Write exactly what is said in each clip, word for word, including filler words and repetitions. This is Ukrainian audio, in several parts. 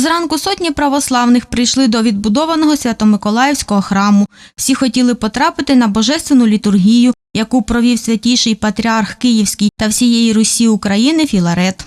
Зранку сотні православних прийшли до відбудованого Свято-Миколаївського храму. Всі хотіли потрапити на божественну літургію, яку провів святіший патріарх Київський та всієї Русі України Філарет.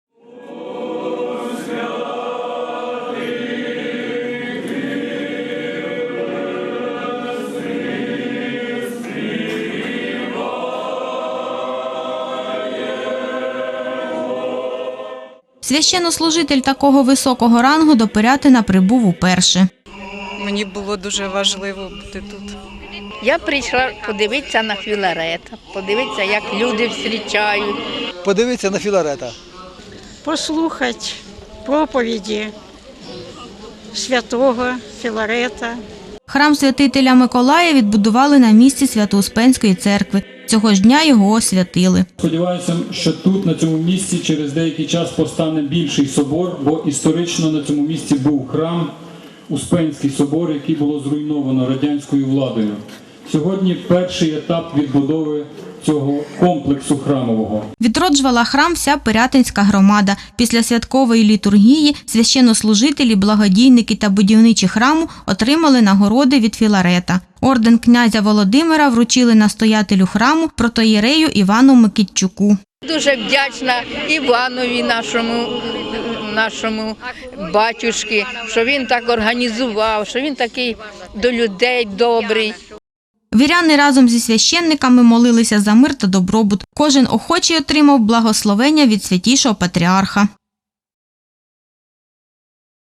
Священнослужитель такого високого рангу до Пирятина прибув уперше. Мені було дуже важливо бути тут. Я прийшла подивитися на Філарета, подивитися, як люди зустрічають. Подивитися на Філарета. Послухати проповіді святого Філарета. Храм святителя Миколая відбудували на місці Свято-Успенської церкви. Цього ж дня його освятили. Сподіваюся, що тут, на цьому місці, через деякий час постане більший собор, бо історично на цьому місці був храм, Успенський собор, який було зруйновано радянською владою. Сьогодні перший етап відбудови цього комплексу храмового. Відроджувала храм вся Пирятинська громада. Після святкової літургії священнослужителі, благодійники та будівничі храму отримали нагороди від Філарета. Орден князя Володимира вручили настоятелю храму протоєрею Івану Микитчуку. Дуже вдячна Іванові, нашому, нашому батюшки, що він так організував, що він такий до людей добрий. Віряни разом зі священниками молилися за мир та добробут. Кожен охочий отримав благословення від святішого патріарха.